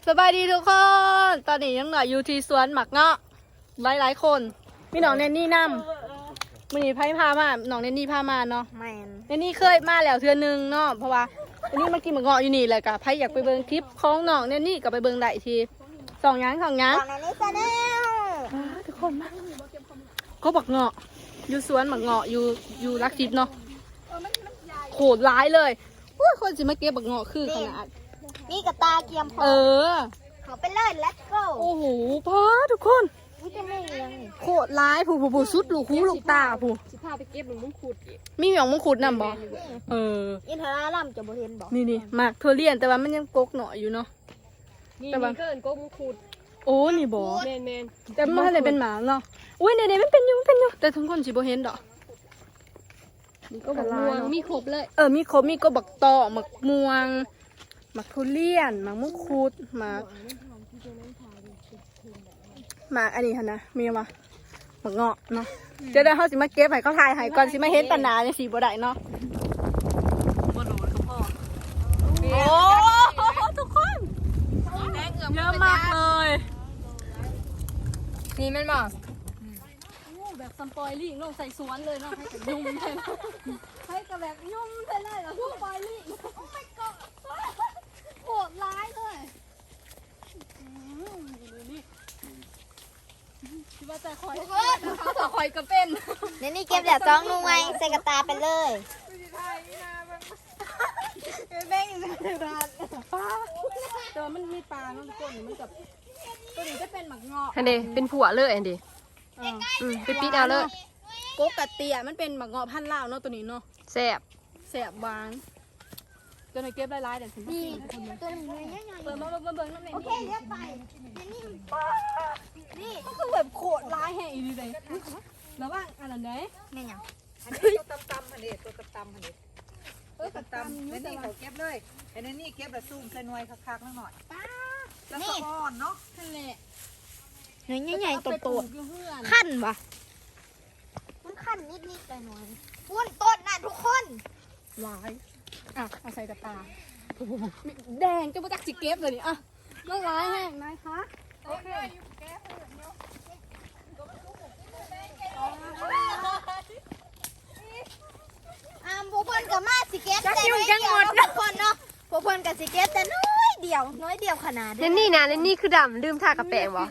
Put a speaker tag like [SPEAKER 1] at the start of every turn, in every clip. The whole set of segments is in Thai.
[SPEAKER 1] สบายดีทุกคนตอนนี้ยังหน่อยอยู่ที่สวนหมักเงาะหลายคนมีน้องเนนนี่นำมีไพ่พามาน้องเนนนี่พามาเนาะเนนนี่เคยมาแล้วเทื่อนึงเนาะเพราะว่าวันนี้มากินหมักเงาะอยู่นี่เลยกะไพ่อยากไปเบิ่งคลิปของน้องเนนนี่กับไปเบิ่งได้ทีสองยังทุกคนมาเขาบักเงาะอยู่สวนหมักเงาะอยู่รักทิพย์เนาะโขดร้ายเลยคนสิมาเก็บบักเงาะคือขนาด
[SPEAKER 2] นี่กับตาเกียมพอเขาไปเลย let's go
[SPEAKER 1] โอ้โหพ่อทุกคนโคตรร้ายผู้สุดลูกหูลูกตาผู้
[SPEAKER 3] สิพาไปเก็บหลวงมงคุด
[SPEAKER 1] มีหยองมงคุดนำบ่
[SPEAKER 2] อินทราลัมจะบ่เห็นบ่
[SPEAKER 1] นี่หมากทั่วเลียนแต่ว่ามันยังกกหน่อยอยู่เนาะ
[SPEAKER 3] แต่ว่าเกินก็มงคุด
[SPEAKER 1] โอ้นี่บ่
[SPEAKER 3] แมน
[SPEAKER 1] แต่มันอะไรเป็นหมาเนาะอุ้ยเนี่ยมันเป็นอยู่แต่ทุกคนสิบ่เห็นดอก
[SPEAKER 3] นี่ก็บักม่วงมีครบเลย
[SPEAKER 1] มีครบมีก็บักตอหมักม่วงหมักทุเรียนหมักมะคุดหมักอันนี้ค่ะนะมีวะหมักเงาะเนาะจะได้เขาสิมาเก็บให้เขาถ่ายให้ก่อนสิมาเห็นตาหนาในสีบัวได้เนาะโอ้ทุกคนเยอะมากเลย
[SPEAKER 3] นี่มันบอก
[SPEAKER 1] แบบซัมปอยลิ่งลงใส่สวนเลยเนาะให้กับยุ่มเลยให้กับแบบยุ่มเลยเหรอซัมปอยลิ่งโอ้ my god โหดร้ายเลยคิดว่าจะคอยเขาจะคอยกระเป็น
[SPEAKER 2] นี่เก็บแบบจ้องนุ่งไว้ใส่กระตาไปเลย
[SPEAKER 1] แม่งอยู่ในร้านปลาแต่ว่ามันมีปลาเนาะทุกคนมันกับตัวนี้จะเป็นหมักเงาะ
[SPEAKER 3] อันเดเป็นผัวเลยอันเดไปปิดเอาเลย
[SPEAKER 1] โกกะเตียมันเป็นหมักเงาะพันธุ์ลาวเนาะตัวนี้เนาะ
[SPEAKER 3] แซ่บ
[SPEAKER 1] หวานจะในเก็บลายๆเดี๋ยวฉัน
[SPEAKER 2] นี่ตัวนี้
[SPEAKER 1] เบิ่งน้ำในนี่
[SPEAKER 2] โอเคเรียกไป
[SPEAKER 1] นี่ก็คือแบบโคตรร้ายแห่งอีนี่เลยแล้วว่าอันนั้นได้
[SPEAKER 2] นี่ยัง
[SPEAKER 4] อันนี้ตัวตำๆอันนี้ตัวตำๆอันนี้ตัวตำแล้วนี่เขาเก็บเลยไอ้นี่เก็บแบบซุ่มใส่หน่วยคักๆหน่อยแล้วก็อ่อนเนาะ
[SPEAKER 1] นั่นแหละ
[SPEAKER 2] เนื้อใหญ่ๆโตๆขั้นปะมันขั้นนิดๆไปหน่อยพุ่นต้นน่ะทุกคน
[SPEAKER 1] ร้ายเอาใส่กระตาแดงจะมาจากจิเก็บเลยนี่มันร้ายแห้งนายคะโอเค
[SPEAKER 2] พวกเพื่อนกับมาสิเก็ตแต่น้อยเดียวทุกคนเนาะพวกเพื่อนกับสิเก็ตแต่น้อยเดียวขนาด
[SPEAKER 3] นี่นะนี่คือดำลืมทากระแปงวะ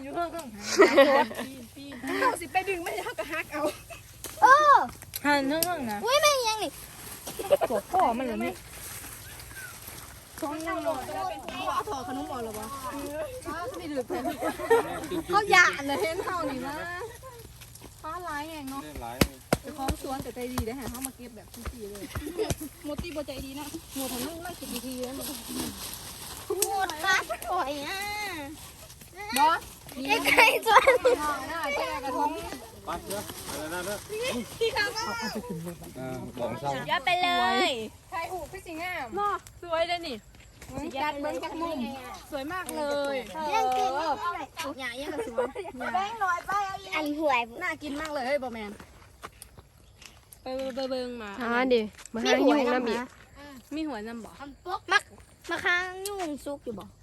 [SPEAKER 1] เขาสิไปดึงไม่ใช่เขากระฮักเอา
[SPEAKER 2] หันนั่งนะอุ้ยไม่ยังนี่
[SPEAKER 1] ตัวพ่อมันเหรอนี่ท้องยังหมดเอาถอดขนมออกหรอวะไม่ดื้อเลยเขาหยาดเลยเห็นเขานี่นะฟ้าร้ายแหงเนาะจะคล้องสวนแต่ใจดีได้หาเขามาเก็บแบบทุกทีเลยโมตีโบใจดีนะโมทำนั่งไม่สิบทีแล้ว
[SPEAKER 2] หมดฟ้าสวย
[SPEAKER 1] บอส
[SPEAKER 2] ใกล้ๆจวน
[SPEAKER 1] หน้าแก่กระทง
[SPEAKER 4] ปัดเยอะอะไรนั่นเนอะ
[SPEAKER 1] ที่เขาก็
[SPEAKER 4] ของเช่า
[SPEAKER 2] ยัดไปเลย
[SPEAKER 1] ไทยหูพี่สิงห์เนาะสวยเลยนี่ยัดเบิ้งจากมุมสวยมากเลย
[SPEAKER 2] ยังกินอย่ายังกระสวยแป้งหน่อยไปเอาอันหวย
[SPEAKER 1] น่ากินมากเลยเฮ้ยบอแมนไปเบิ้งมา
[SPEAKER 3] ดิมาหายุ่งน้ำบี
[SPEAKER 1] มีหัวน้ำบ่
[SPEAKER 2] มาค้างยุ่งซุกอยู่บ่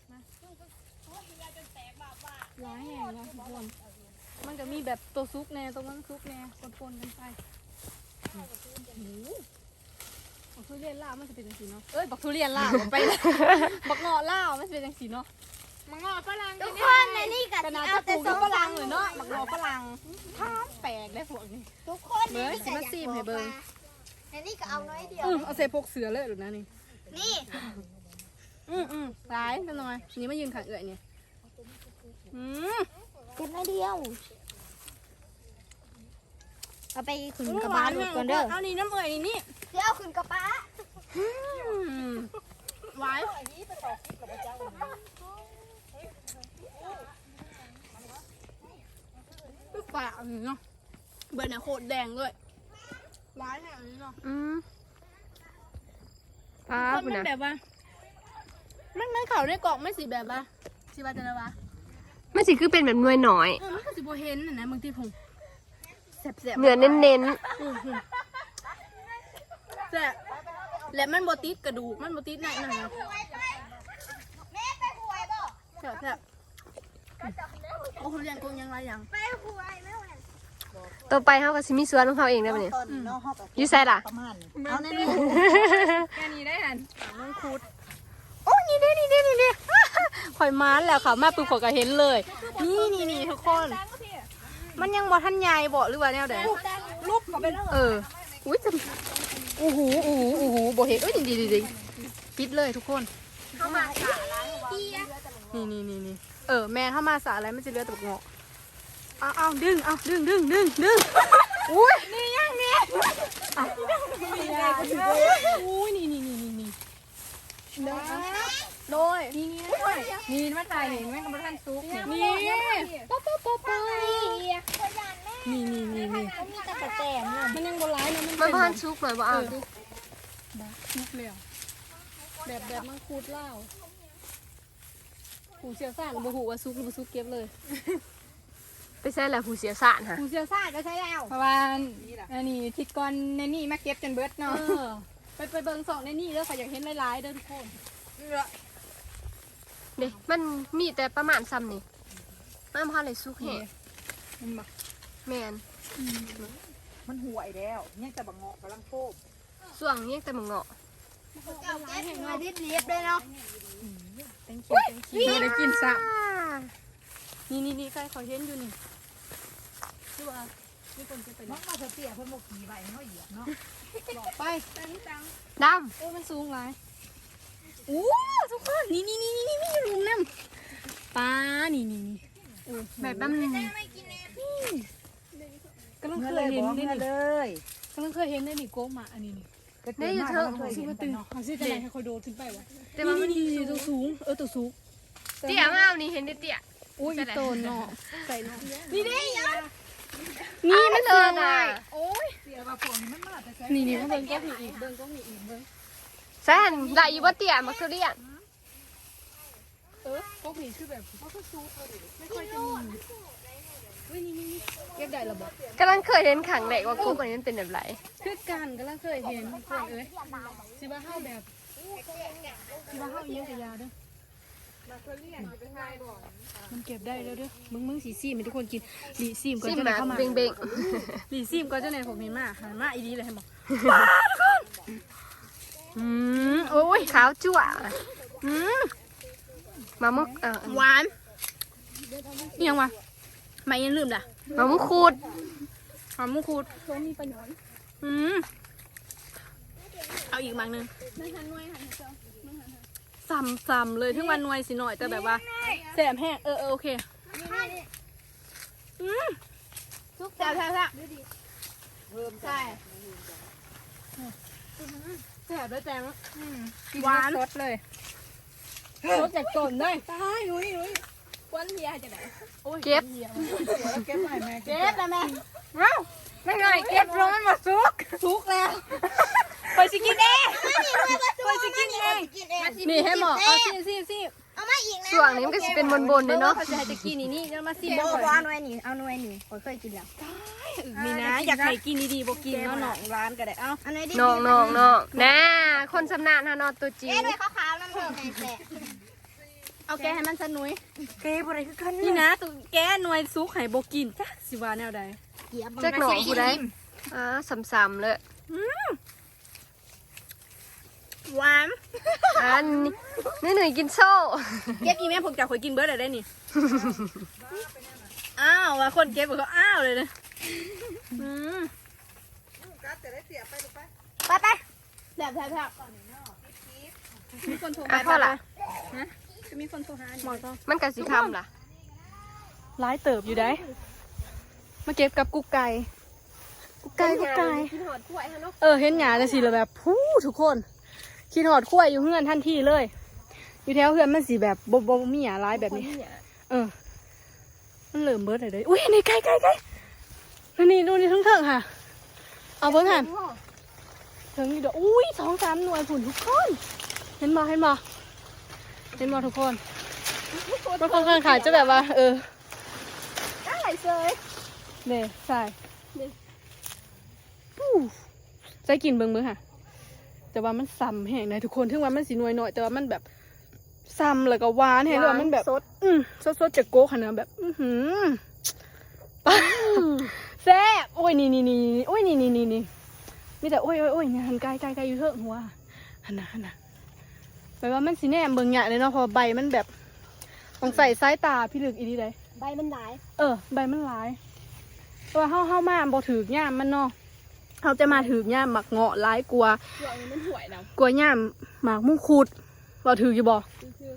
[SPEAKER 1] ร้ายแห่งนะทุกคนมันจะมีแบบตัวซุกแน่ตรงนั้นซุกแน่ปนกันไปบักทุเรียนล่ามันจะเป็นจังสีเนาะบักทุเรียนล่าไปบักเงาะล่ามันจะเป็นจังสีเนาะบักเงาะฝรั่ง
[SPEAKER 2] ทุกคนในนี่กั
[SPEAKER 1] นเอาแต่ซุปฝรั่งเลยเนาะบักเงาะฝรั่งท้ามแปลกได้พวกนี้
[SPEAKER 2] ทุกคน
[SPEAKER 1] เบิ้งสิมาซีมให้เบิ้ง
[SPEAKER 2] ในนี่ก็เอาน้อยเดียว
[SPEAKER 1] เอาใส่พกเสือเลยหรือนะ
[SPEAKER 2] นี่
[SPEAKER 1] ร้ายจังหน่อยนี่มายืนขังเอื่อยเนี่ย
[SPEAKER 2] เก็บน้อยเดียวเอาไปขึ้นกระบะก่อนเด้อ
[SPEAKER 1] เอานี่น้ำเอื่อยนี่
[SPEAKER 2] เดี๋ยวขึ้นกระบะ
[SPEAKER 1] ไว้ปากเนาะเบอร์เนี่ยโคตรแดงเลยร้ายแน่เลยเนาะมันแบบว่ามันเขาได้กล่องไม่สีแบบว่าสีบาจันวะ
[SPEAKER 3] ไม่สิคือเป็นแบบหน่วยหน่อย
[SPEAKER 1] มันก็สิโบเห็นนะบางทีผมแสบ
[SPEAKER 3] เนื้อเน้น
[SPEAKER 1] แสบและมันโบติดกระดูกมันโบติดไหนนะเรียนกงยังไรยัง
[SPEAKER 2] ไปคุยแม่วัน
[SPEAKER 3] ต่อไปเฮาก็สิมีสวนของเฮาเองได้บ่เนี่ย
[SPEAKER 4] ตอนนี้เนาะเฮาก็
[SPEAKER 3] อยู่ไสล่ะ
[SPEAKER 4] ประมาณนี้เอาแน่
[SPEAKER 1] แค่นี้ได้หันน้องคูด
[SPEAKER 3] โอ้นี่เด้นี่เด้นี่เด้
[SPEAKER 1] ข่อยมานแล้วค่ะมาปุ๊บข่อยก็เห็นเลย นี่ทุกคน มันยังบ่ทันใหญ่บ่หรือว่าแนวใด
[SPEAKER 2] รูปเขาไปแล้ว
[SPEAKER 3] เอออุ้ยจะอู้หูบ่เห็นเอ้ยดีปิดเลยทุกคน
[SPEAKER 2] เขามาสาล้างเกียร์
[SPEAKER 1] นี่แม่ถ้ามาสาอะไรมันจะเหลือแต่บักเงาะเอาดึงอุ้ยนี่ยังเนี่ยอุ้ยนี่โดยนี่มาถ่ายนี่แม่กำลังซุกนี่ป๊อปนี่
[SPEAKER 2] มีตะกะแตนเนี่ย
[SPEAKER 1] มันยังโบราณนะ
[SPEAKER 3] มันบ่ทันสุกหน่อยบ่เอาดิ
[SPEAKER 1] ซุกแล้วแบบมังคุดเล่าหูเสียสารบ่หูว่าซุกหรือบ่ซุกเก็บเลย
[SPEAKER 3] ไปใส่แล้วผู้เสียสารฮะ
[SPEAKER 2] หูเสียซาดก็ใช้แล้ว
[SPEAKER 1] เพราะว่าอันนี้ทิดก่อนในนี่มาเก็บจนเบิดเนาะไปเบิ่งสองในนี่เด้อค่ะอยากเห็นหลายๆเด้อทุกคน
[SPEAKER 3] เด้มันมีแต่ประมาณซ้ำนี่มันบ่ทันได้สุกแฮะ
[SPEAKER 1] มันบ่
[SPEAKER 3] แม่น
[SPEAKER 4] มันห่วยแล้วยังแต่บังเงาะกำลังโคบ
[SPEAKER 3] ส่วงนี้แต่มึงเงาะ
[SPEAKER 2] เจ้าแก้ถึงมาดิบเรียบเลยเนาะ
[SPEAKER 1] ได้กินซะนี่ใครขอเห็นอยู่นี่คือว่ามีคนจะไป
[SPEAKER 4] น้องมาเตี้ยเพิ่นบ่ขี่ไว้เฮาเหยียบเนาะ
[SPEAKER 1] ไป
[SPEAKER 3] ด
[SPEAKER 1] โอ้มันสูงหลายอู้ทุกคนนี่ลุมน้ำปลานี่
[SPEAKER 3] ำแบบนั้น
[SPEAKER 2] ไม่กินแน่
[SPEAKER 1] กำลัง
[SPEAKER 4] เมื่
[SPEAKER 1] เค
[SPEAKER 4] อย เลย
[SPEAKER 1] เห็น
[SPEAKER 4] บอก
[SPEAKER 1] ได้
[SPEAKER 4] เมื่อ
[SPEAKER 1] นี่
[SPEAKER 4] เลย
[SPEAKER 1] กำลังเคยเห็นได้นี่โก้มาอันนี้นี่
[SPEAKER 4] ก็เจอมาแล้วเคย
[SPEAKER 1] ซื้
[SPEAKER 4] เห็
[SPEAKER 1] อน มาตื่น
[SPEAKER 4] เนาะ
[SPEAKER 1] เอาซื้อจะไหนให้คอยโดดขึ้นไปวะ
[SPEAKER 3] แต่ว่ามัน
[SPEAKER 1] นี่ตัวสูงตัวสูง
[SPEAKER 3] เตี้ยมากนี่เห็นได้เตี้ย
[SPEAKER 1] อุ้ยโตนเนาะใส่เนาะ
[SPEAKER 2] นี่ได้ยัง
[SPEAKER 3] นี่มันสูงอ่ะ
[SPEAKER 1] โอ้ย
[SPEAKER 4] เตี้ยว่าพวกนี้มันมาแต่ไส
[SPEAKER 1] นี่เบิ่งก็มีอีกเบิ่ง
[SPEAKER 3] แซนได้อยู่บ่เตี้ยมักทุเรียน
[SPEAKER 1] ก็มีคือแบบเขาก็ซูไม่ค่อยจะมีอุ้ยนี่เก็บได้ระบบ
[SPEAKER 3] กำลังเคยเห็นขังแรกว่ากุ๊กอันนี้มันเป็นแบบไร
[SPEAKER 1] คือกันกำลังเคยเห็นคนเอ้ยสิว่าเฮาแบบสิว่าเฮาเยี่ยงกับยาเด้อมันเก็บได้แล้วเด้อมึงสีซีมให้ทุกคนกินดีซีมก่อน
[SPEAKER 3] ซิม
[SPEAKER 1] จะไหน
[SPEAKER 3] แบบ
[SPEAKER 1] เข้ามา
[SPEAKER 3] เบ่ง
[SPEAKER 1] ดีซีมก่อนจะไหนผมเห็นมาหันมาอีดีเลยให้บอก
[SPEAKER 3] ๆโอ้ยขาวจั่วมามุก
[SPEAKER 1] หวานนี่ยังวะไม่ยังลืมด่ะ
[SPEAKER 3] มามุกคูด
[SPEAKER 1] หอมมุคูดมีประโยชน์เอาอีกมังนึงซ้ำเลยถึงวันนวยสิหน่อยแต่แบบว่าแสบแห้งโอเคแซ่บใช่แซ่บด้วยแจงหวานสดเลยสดจากต้นเลยตายนุ้ยควันเฮียจะไหน
[SPEAKER 3] เก็บ
[SPEAKER 4] เก็บไว้แม่
[SPEAKER 1] เก็บแล้วแม่ไม่ไงเก็บลงมันมาซุกแล้วไปสิกินเองไปสิกินเอง
[SPEAKER 2] กินเอง
[SPEAKER 1] นี่ให้หมอเอาซิ
[SPEAKER 2] เอามาอีกนะ
[SPEAKER 3] ส่วงนี้มันก็จะเป็นบนๆเลยเนาะ
[SPEAKER 1] เขาจะให้จะกินนี่จะมาซิ
[SPEAKER 2] โบเอาหน่วยนี่เอาหน่วยนี่ผมเคยกินแล้ว
[SPEAKER 1] มีนะอยากให้กินดีๆบอกกินเนาะหนองร้านก็ได้เอ้า
[SPEAKER 2] เอาหน่วยดิ
[SPEAKER 3] น้องน่าคนสำนาญฮะนอนตัวจริง
[SPEAKER 2] แก้หน่วยขาวๆน้ำเถอะแม่แซ่
[SPEAKER 1] เอาแกให้มันสนุย
[SPEAKER 2] เก็บอะไรคือกัน
[SPEAKER 1] นี่นะตัวแกหน่วยซุกให้บอกกินจ้ะสิว่าแนวใด
[SPEAKER 2] เกียบ
[SPEAKER 3] จักหนองกูได้ซ้ำๆเลย
[SPEAKER 1] หวาน
[SPEAKER 3] อันนี่หนุ่ยกินโซ่
[SPEAKER 1] เก็บอีแม่พวกเจ้าคอยกินเบิร์ดได้นี่อ้าวว่าคนเก็บเขาอ้าวเลยนะ
[SPEAKER 4] กัดแต่ได้เตี้ยไปลูกไป
[SPEAKER 2] ไป
[SPEAKER 1] แซ่บมีคนโทร
[SPEAKER 3] อ่ะพ่อละ
[SPEAKER 1] จะมีคนโทรหาหมอต้อง
[SPEAKER 3] มันกะสิคำล่ะ
[SPEAKER 1] ร้ายเติบอยู่ได้มาเก็บกับกุ๊กไก่
[SPEAKER 3] กินหอดกล้วยฮะเนาะ
[SPEAKER 1] เห็นหยาเลยสิเลยแบบพูทุกคนคิดหอดกล้วยอยู่เฮือนทันทีเลย อยู่แถวเฮือนมันสีแบบบ่มีหยาร้ายแบบนี้มันเหลื่อมเบิร์ดเลยอุ้ยนี่ไก่นี่ดูนี่ทั้งค่ะเอาเบิ้งหันถึงอยู่เด้ออุ้ย2-3 หน่วยผุนทุกคนเห็นบ่ทุกคนมันค่อนข้างขาดจะแบบว่า
[SPEAKER 2] ได้เลย
[SPEAKER 1] เด้ใส่ใส่กินเบิ้งค่ะแต่ว่ามันซ้ำแห้งเลยทุกคนถึงว่ามันสีหน่วยหน่อยแต่ว่ามันแบบ
[SPEAKER 3] ซ้ำแล้วก็หวานให้เลยมันแบบ
[SPEAKER 2] สด
[SPEAKER 3] สดจากโก๊กค่ะเนื้อแบบแซ่บโอ้ยนี่โอ้ยนี่มีแต่โอ้ยเนี่ยหันไกลอยู่เถอะหัวหันนะแปลว่ามันสีแนมเบิ่งใหญ่เลยเนาะพอใบมันแบบต้องใส่สายตาพี่ลึกอีดีเลย
[SPEAKER 2] ใบมันหลาย
[SPEAKER 3] ใบมันหลายเพราะว่าเฮามาบ่ถือย่ามมันเนาะเขาจะมาถือย่ามหมักเงาะหลายกลัว
[SPEAKER 2] เดี๋ยวนี้มันห่วยแล้ว
[SPEAKER 3] กลัวย่ามหมากมุ่งขุดบ่ถืออยู่บ่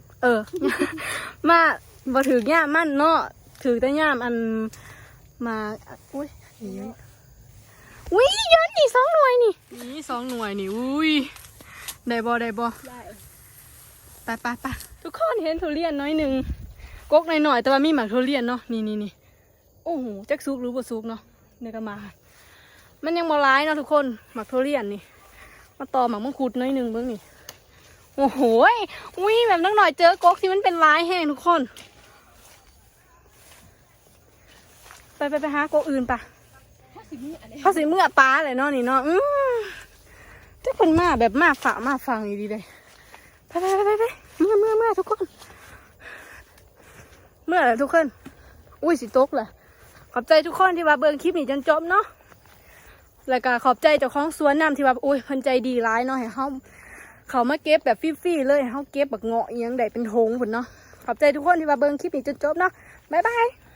[SPEAKER 3] มาบ่ถือย่ามมันเนาะถือแต่ย่ามอันมาอุ้ยเยอะนี่2 หน่วยนี่2 หน่วยนี่อุ้ยได้บ่
[SPEAKER 2] ได้
[SPEAKER 3] ไปทุกคนเห็นทุเรียนน้อยหนึ่งกกหน่อยๆแต่ว่ามีหมากทุเรียนเนาะนี่โอ้โหจักซุกหรือบ่ซุกเนาะเนี่ยก็มามันยังบ่ร้ายเนาะทุกคนหมากทุเรียนนี่มาต่อหมากมังคุดน้อยหนึ่งเบิ่งนี่โอ้โหอุ้ยแบบนักหน่อยเจอกกที่มันเป็นร้ายแห้งทุกคนไปหากกอื่นปะเขาสิเมื่อปลาเลยเนาะนี่เนาะจะคนมาแบบมาฝ่ามาฟังดีเลยไปเมื่อทุกคนเมื่อทุกคนอุ้ยสิตกเลยขอบใจทุกคนที่ว่าเบิ่งคลิปนี้จนจบเนาะแล้วก็ขอบใจเจ้าของสวนน้ำที่ว่าอุ้ยเพิ่นใจดีร้ายเนาะให้เขามาเก็บแบบฟรีๆเลยเขาเก็บแบบเงาะยังได้เป็นทงพุ่นเนาะขอบใจทุกคนที่ว่าเบิ่งคลิปนี้จนจบเนาะบ๊ายบาย